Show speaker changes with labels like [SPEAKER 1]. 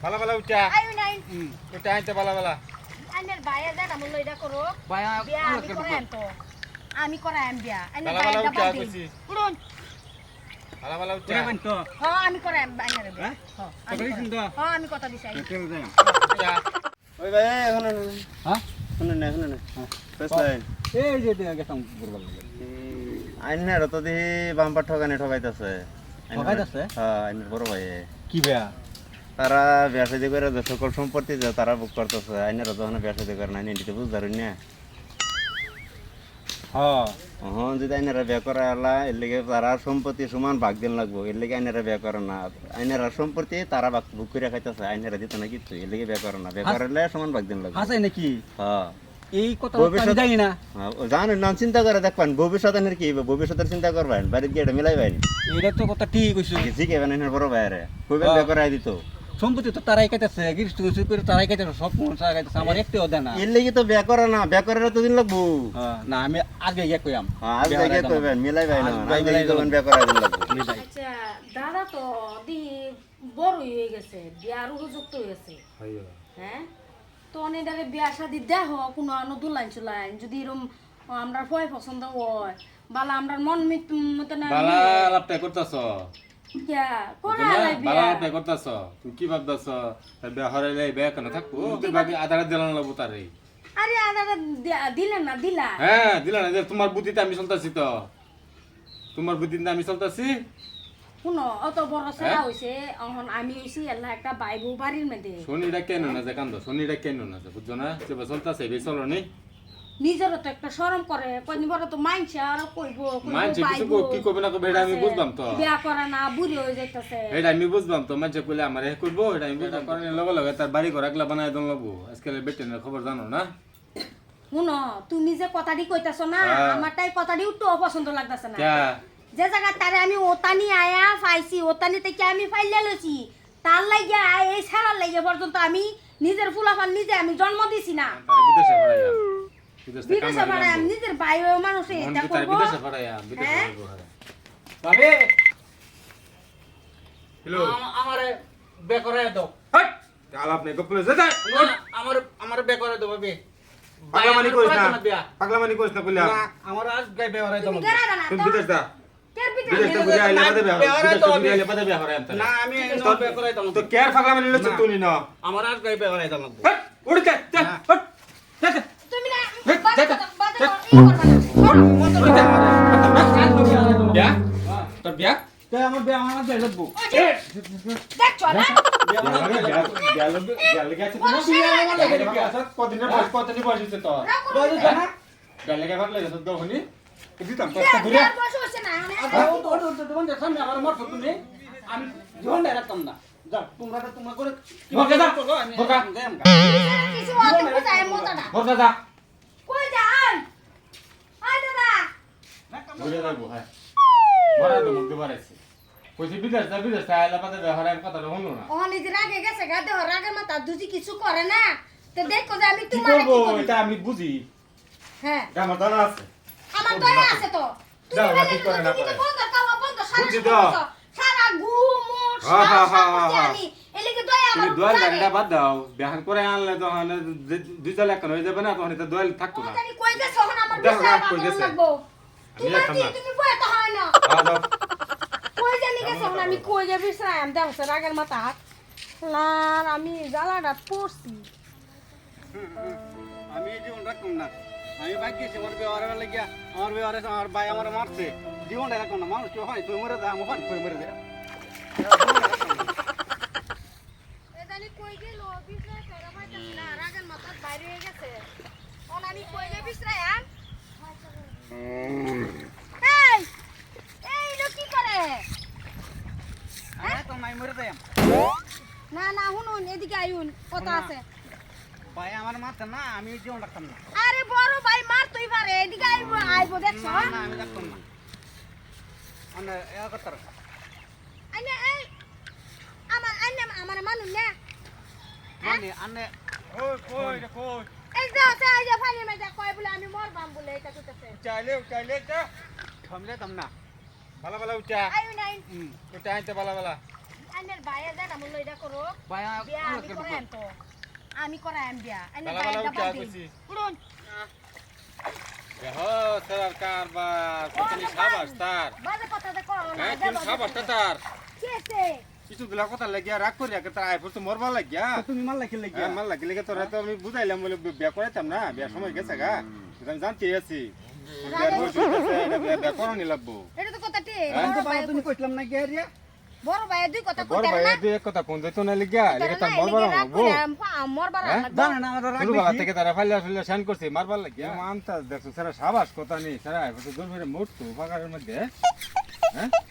[SPEAKER 1] বালা বালা উঠা
[SPEAKER 2] আয়ু নাই
[SPEAKER 1] উঠা আইতে বালা বালা
[SPEAKER 2] আইনের বাইরে যা আমল লইডা করো
[SPEAKER 3] ভাইয়া
[SPEAKER 2] বিয়া আমি করাম তো আমি করাম বিয়া আইনের
[SPEAKER 1] বালা বালা
[SPEAKER 2] বাইরে
[SPEAKER 1] উঠা
[SPEAKER 2] দাবা দিন
[SPEAKER 1] কইছি
[SPEAKER 2] উড়ুন
[SPEAKER 1] বালা বালা উঠা
[SPEAKER 3] করে তো
[SPEAKER 2] হ্যাঁ আমি করাম আইনের বিয়া
[SPEAKER 3] হ্যাঁ? কথা দিছেন তো?
[SPEAKER 2] হ্যাঁ আমি কথা দিছি আইন।
[SPEAKER 3] চল যাই
[SPEAKER 1] উঠা
[SPEAKER 4] ওই ভাই এখন
[SPEAKER 3] হ্যাঁ
[SPEAKER 4] শুনুন না
[SPEAKER 3] হ্যাঁ।
[SPEAKER 4] ফার্স্ট লাইন
[SPEAKER 3] এই যে গেছাম বুড়বাল
[SPEAKER 4] আইনার তো দেখি বাম্পার ঠকাইতেছে
[SPEAKER 3] ঠকাইতাছে?
[SPEAKER 4] হ্যাঁ আইনের বড় ভাই
[SPEAKER 3] কি বেয়া
[SPEAKER 4] তারা ব্যবসায়ী করে যে সকল সম্পত্তি যে তারা বুক করতেছে আইনের যখন ব্যবসায়ী করে না নিতে বুঝতে পারেন না
[SPEAKER 3] হ্যাঁ
[SPEAKER 4] হ্যাঁ যদি আইনারা বিয়ে করা এলা এর লেগে তারা সম্পত্তি সমান ভাগ দিন লাগবো এর লেগে আইনারা বিয়ে করে না আইনারা সম্পত্তি তারা বুক করে খাইতেছে আইনারা দিত না কিছু এর লেগে বিয়ে করে না বিয়ে করলে সমান ভাগ দিন লাগবে
[SPEAKER 3] হাসাই নাকি
[SPEAKER 4] হ্যাঁ
[SPEAKER 3] এই কথা
[SPEAKER 4] ভবিষ্যৎ-
[SPEAKER 3] আমি জানি না
[SPEAKER 4] জানেন না চিন্তা করে দেখবেন ভবিষ্যতের কি ভবিষ্যতের চিন্তা করবেন বাড়িতে গিয়ে এটা মিলাইবেন
[SPEAKER 3] এটা তো কথা ঠিক কইছো
[SPEAKER 4] শিখেবেন এনের বড় ভাইয়ারে কইবেন বিয়ে করাই দিত
[SPEAKER 3] সম্পত্তি তো তারাই কাইতেছে গিরিশ টুরিশ করে তারাই কাইতেছে সব তারা কাইতেছে আমার একটাও দেয় না
[SPEAKER 4] এর লেগে তো বিয়ে করে না বিয়ে করার তো দিন লাগবো
[SPEAKER 3] না আমি আগে গিয়ে কইয়াম
[SPEAKER 4] আজ জায়গায় কইবেন মিলাইবেন
[SPEAKER 3] আজ
[SPEAKER 4] না
[SPEAKER 3] মিলাই
[SPEAKER 4] আজ কইবেন বিয়ে করাই দিন লাগবো
[SPEAKER 2] আচ্ছা দাদা তো দি বড়ই হয়ে গেছে বিয়ার উপযুক্ত হয়েছে হ্যাঁ তো অনেকটাকে বিয়া শাদি দেহ কোনো দুলাইন চুলাইন যদি এরম আমরা ভয় পছন্দ হয় বালা আমরা মন মতো না
[SPEAKER 1] বালা লাপটা করতাছ
[SPEAKER 2] কিয়া করে
[SPEAKER 1] বালা
[SPEAKER 2] আলাই বিয়া
[SPEAKER 1] লাপটা করতাছ তুমি কি ভাবতাছ বিয়া হরাইলে বিয়া কেন থাকবো তুই বাকি আধার দিলাম লাগবো তারে
[SPEAKER 2] আরে আদাটা দিলেন না দিলা
[SPEAKER 1] হ্যাঁ দিলা না যে তোমার বুদ্ধিতে আমি চলতাছি তো তোমার বুদ্ধিতে আমি চলতাছি
[SPEAKER 2] শুনো অত বড় ছেলা হইছে এখন আমি হইছি আল্লাহ একটা বাই বউ বাড়ির মধ্যে
[SPEAKER 1] শনিটা কেন না যে কান্দ শনিটা কেন না যে বুঝছো না যে চলতাছে বে চলো নি
[SPEAKER 2] নিজেরও তো একটা শরম করে কদিন বড় তো মানছে আর কইবো
[SPEAKER 1] মানছে কিছু কি করবে না করবে এটা আমি বুঝলাম তো
[SPEAKER 2] বিয়া করে না বুড়ি হয়ে যাইতেছে
[SPEAKER 1] এটা আমি বুঝলাম তো মানছে কইলে আমার এ করবো এটা আমি বুঝলাম কারণ লগে লগে তার বাড়ি ঘর একলা বানায় দন লাগবো আজকাল বেটেনের খবর জানো না
[SPEAKER 2] শুনো তুমি যে কথাটি কইতাছো না
[SPEAKER 1] হ্যাঁ।
[SPEAKER 2] আমারটাই কথাটি একটু অপছন্দ লাগতেছে না
[SPEAKER 1] ক্যা
[SPEAKER 2] যে জায়গা তারে আমি ওতানি আয়া পাইছি ওতানি থেকে আমি ফাইলে লইছি তার লাগিয়া এই ছাড়ার লাগিয়া পর্যন্ত আমি নিজের ফুলাফান নিজে আমি জন্ম দিছি না
[SPEAKER 1] তার বিদেশে পড়াইয়া
[SPEAKER 2] বিদেশে বাড়ায় আমি নিজের ভাই মানুষে এটা
[SPEAKER 1] তার
[SPEAKER 2] করবো
[SPEAKER 1] বিদেশে পড়াইয়া বিদেশে
[SPEAKER 2] হ্যাঁ?
[SPEAKER 1] পড়াইবো হারে
[SPEAKER 3] ভাবে
[SPEAKER 1] হ্যালো
[SPEAKER 3] আমারে বে করে দাও
[SPEAKER 1] হট আলাপ নেই গপ্পলে যা
[SPEAKER 3] আমার আমার বে করে দাও ভাবে
[SPEAKER 1] পাগলামানি করিস না পাগলামানি করিস না কইলা
[SPEAKER 3] আমার আজ গায় বে করে দাও
[SPEAKER 2] তুমি গেরা না
[SPEAKER 1] তুমি
[SPEAKER 2] তো
[SPEAKER 1] বিদেশ দা
[SPEAKER 2] কে
[SPEAKER 1] বিদেশ
[SPEAKER 2] বিদেশ
[SPEAKER 1] তে বুঝা আইলে বাদে বিয়া
[SPEAKER 3] বিয়া হরে
[SPEAKER 1] বিদেশ
[SPEAKER 3] তো
[SPEAKER 1] তে
[SPEAKER 3] আমি-
[SPEAKER 1] বুঝা আইলে বাদে বিয়া হরে আমি
[SPEAKER 3] না আমি বে করে দাও
[SPEAKER 1] তো কেয়ার পাগলামানি লছ তুই না
[SPEAKER 3] আমার আজ গায় বে করে দাও
[SPEAKER 1] হট উড়ে যা যা হট যা যা
[SPEAKER 2] তুমি না
[SPEAKER 1] হেই,
[SPEAKER 2] বাদে
[SPEAKER 1] যা,
[SPEAKER 2] বাদে
[SPEAKER 1] যা।
[SPEAKER 2] ই করবা না
[SPEAKER 1] বিয়া তোর বিয়া
[SPEAKER 3] আমার বে আমার বে লাগবো
[SPEAKER 2] দেখছো না বিয়ার বয়স হইছে না
[SPEAKER 3] আমার মত তুমি আমি জীবন রাখতাম না যাও তোমরা তো তোমরা করে
[SPEAKER 2] কিছু অত বুঝায় মজাটা কই যান আয় দাদা ও নিজে রাগে গেছে গা দেহ রাগের মাথা দুজি কিছু করে না তো দেখো যে আমি তোমার কি করি
[SPEAKER 1] আমি বুঝি
[SPEAKER 2] হ্যাঁ
[SPEAKER 1] আমার জানা আছে
[SPEAKER 2] আমার দয়া আছে তো তুমি
[SPEAKER 1] যাও,
[SPEAKER 2] বলে
[SPEAKER 1] কি করে না
[SPEAKER 2] তুমি
[SPEAKER 1] করে।
[SPEAKER 2] বন্ধ কাওয়া বন্ধ সারা
[SPEAKER 1] বুঝছি
[SPEAKER 2] সময়
[SPEAKER 1] তো।
[SPEAKER 2] বলছো। সারা ঘুম
[SPEAKER 1] হ্যাঁ, হ্যাঁ, হ্যাঁ, হ্যাঁ, হ্যাঁ।
[SPEAKER 2] আমি এলিকে দয়া
[SPEAKER 1] তুমি
[SPEAKER 2] আমার
[SPEAKER 1] দোয়াল
[SPEAKER 2] বুঝাবে।
[SPEAKER 1] গাড়িটা বাদ দাও বিহান করে আনলে তখন দুই চাল এক হয়ে যাবে না তখন এটা দোয়াল থাকতো না
[SPEAKER 2] জানি কই গেছে এখন আমার
[SPEAKER 1] দেখো,
[SPEAKER 2] বিষয়
[SPEAKER 1] কই
[SPEAKER 2] আমার
[SPEAKER 1] গেছে।
[SPEAKER 2] লাগবো
[SPEAKER 1] আমি
[SPEAKER 2] তোমার
[SPEAKER 1] এখন
[SPEAKER 2] কি
[SPEAKER 1] না।
[SPEAKER 2] তুমি বই তো হয় না
[SPEAKER 1] দাও।
[SPEAKER 2] কই জানি গেছে এখন আমি কই গে বিষয় আমি দেখছ রাগের মাথা লার আমি জ্বালাটা পড়ছি
[SPEAKER 3] আমি জীবন রাখতাম না আমি বাইক গেছি আমার ব্যবহার লাগিয়া আমার ব্যবহারে আমার ভাই আমার মারছে জীবনটা রাখতাম না মানুষ কেউ হয় তুই মরে যা আমার হয় মরে যা
[SPEAKER 2] এ জানি কই গেল বিষয় ফেরা পাইতাছি না রাগের মাথা বাইরে হয়ে গেছে এখন আমি কই গে বিষয় আন এই এই লোক কি করে
[SPEAKER 3] তো নাই মরে যাই
[SPEAKER 2] না না শুনুন এদিকে আইউন কথা আছে
[SPEAKER 3] ভাই আমার মারছে না আমি জীবন রাখতাম না
[SPEAKER 2] আরে বড় ভাই মার তুই পারে এদিকে আইবো আইবো দেখছ
[SPEAKER 3] না না আমি রাখতাম না মানে এ করতার
[SPEAKER 2] আইনে এই আমার আইনে আমার মানুষ না
[SPEAKER 3] মানে আনে ওই কই রে কই
[SPEAKER 2] এই যে আছে এই যে ফানি মে যা কয় বলে আমি মরবাম বলে এটা কইতেছে
[SPEAKER 3] চাইলে যা থামলে তাম না
[SPEAKER 1] বালা বালা উঠা
[SPEAKER 2] আইউ নাই
[SPEAKER 1] উঠা আইতে বালা বালা
[SPEAKER 2] আইনের বাইরে যা আমল লইডা করো
[SPEAKER 3] ভাই
[SPEAKER 2] বিয়া আমি করাইম তো আমি করাইম বিয়া আইনের
[SPEAKER 1] বালা
[SPEAKER 2] বাইরে
[SPEAKER 1] বালা
[SPEAKER 2] বাদ
[SPEAKER 1] উঠা
[SPEAKER 2] দিন
[SPEAKER 1] কইছি।
[SPEAKER 2] উড়ুন
[SPEAKER 1] দেখো স্যার কারবার কতনি সাবাস তার
[SPEAKER 2] বাজে কথা দে করো না
[SPEAKER 1] হ্যাঁ কোন সাবাসটা তার
[SPEAKER 2] কেসে
[SPEAKER 1] কিছু গুলা কথা লাগিয়া রাগ করি আগে তার আইফোর তো মরবা লাগিয়া
[SPEAKER 3] তুমি মাল লাখি লাগি
[SPEAKER 1] হ্যাঁ মাল লাগিলে কি তোরা তো আমি বুঝাইলাম বলে বিয়া করাইতাম না বিয়ার সময় গেছে গা আমি জানতে আছি বিয়ার বয়স হইতাছে, এটা বিয়া করানি লাগবো
[SPEAKER 2] এটা তো কথা ঠিক
[SPEAKER 3] আমি তো বাবা তুমি কইলাম না গেরিয়া
[SPEAKER 2] বড় ভাই দুই কথা
[SPEAKER 1] বড়
[SPEAKER 2] কইতার
[SPEAKER 1] ভাই
[SPEAKER 2] না
[SPEAKER 1] দুই এক কথা কোন যাইতো না লাগিয়া লেগে তার মরবা লাগবো
[SPEAKER 2] মরবার
[SPEAKER 1] হ্যাঁ?
[SPEAKER 2] লাগবো
[SPEAKER 3] জানা না আমার রাগ
[SPEAKER 1] শুরু বেলা
[SPEAKER 3] বেশি।
[SPEAKER 1] থেকে তারা ফাইলা ফাইলা শান করছে মারবার লাগিয়া মানতা দেখছো সারা সাবাস কথা নেই সারা আইফোর তো দূর মেরে মরতো পাকারের মধ্যে হ্যাঁ